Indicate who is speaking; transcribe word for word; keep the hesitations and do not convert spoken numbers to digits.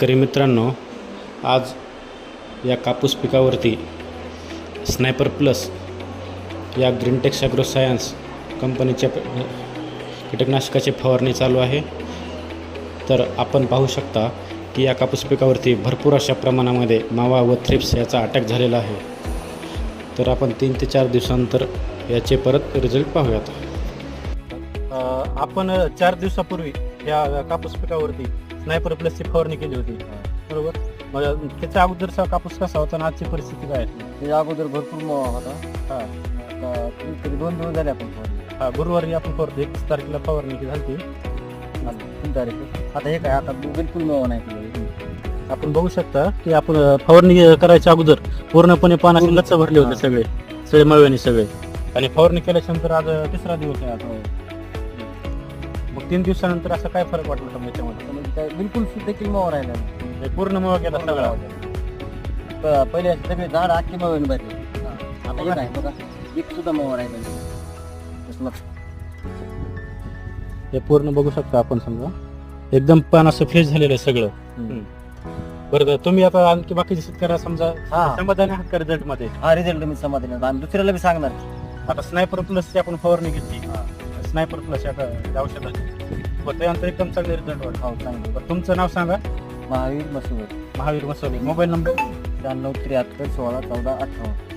Speaker 1: शेतकरी मित्रांनो, आज या कापूस पिकावरती स्नायपर प्लस या ग्रीनटेक्स ॲग्रो सायन्स कंपनीच्या कीटकनाशकाची फवारणी चालू आहे. तर आपण पाहू शकता की या कापूस पिकावरती भरपूर अशा प्रमाणामध्ये मावा व थ्रिप्स याचा अटॅक झालेला आहे. तर आपण तीन ते चार दिवसानंतर याचे परत रिझल्ट पाहूयात. आपण चार दिवसापूर्वी या कापूस पिकावरती स्नायपर प्लसची फवारणी केली होती, बरोबर? मग त्याच्या अगोदरचा कापूस कसा होता आणि आजची परिस्थिती काय आहे?
Speaker 2: त्याच्या अगोदर भरपूर मोहा होता.
Speaker 1: हां
Speaker 2: आता तरी दोन दिवस झाले आपण फवारणी.
Speaker 1: हां गुरुवारी आपण फवारतो, एकतीस तारखेला फवारणी झाली होती.
Speaker 2: आज तीन तारीख. आता हे काय, आता बिलकुल मोहा नाही केलं.
Speaker 1: आपण बघू शकता की आपण फवारणी करायच्या अगोदर पूर्णपणे पानाचे गच्च भरले होते, सगळे सगळे मळव्याने सगळे. आणि फवारणी केल्याच्यानंतर आज तिसरा दिवस आहे आता. मग तीन दिवसानंतर असा काय फरक वाटला का याच्यामध्ये?
Speaker 2: म्हणजे काय बिलकुल देखील मोहा राहिला नाही.
Speaker 1: हे पूर्ण मळ गेला सगळा.
Speaker 2: प- पहिले असे सगळे झाड आखी मोहाने भरले. आता हे नाही बघा, एक सुद्धा मोहा राहिला नाही.
Speaker 1: हे पूर्ण बघू शकता आपण, समजा एकदम पान असं फ्रेश झालेलं आहे सगळं. बरं, तुम्ही आता आणखी बाकीचे शेतकऱ्या समजा
Speaker 2: हा.
Speaker 1: समाधानी आहात का रिझल्ट मध्ये?
Speaker 2: हा रिझल्ट मी समाधानी आहे. आणि दुसऱ्याला बी सांगणार.
Speaker 1: आता स्नायपर प्लसची आपण फवारणी घेतली, स्नायपर प्लस आता औषधाची, बरं त्यानंतर एकदम चांगले रिझल्ट वाटतो.
Speaker 2: हो चांगलं.
Speaker 1: बरं, तुमचं नाव सांगा.
Speaker 2: महावीर मसूर.
Speaker 1: महावीर मसोली. मोबाईल नंबर
Speaker 2: त्र्याण्णव त्र्याहत्तर सोळा चौदा अठ्ठावन्न.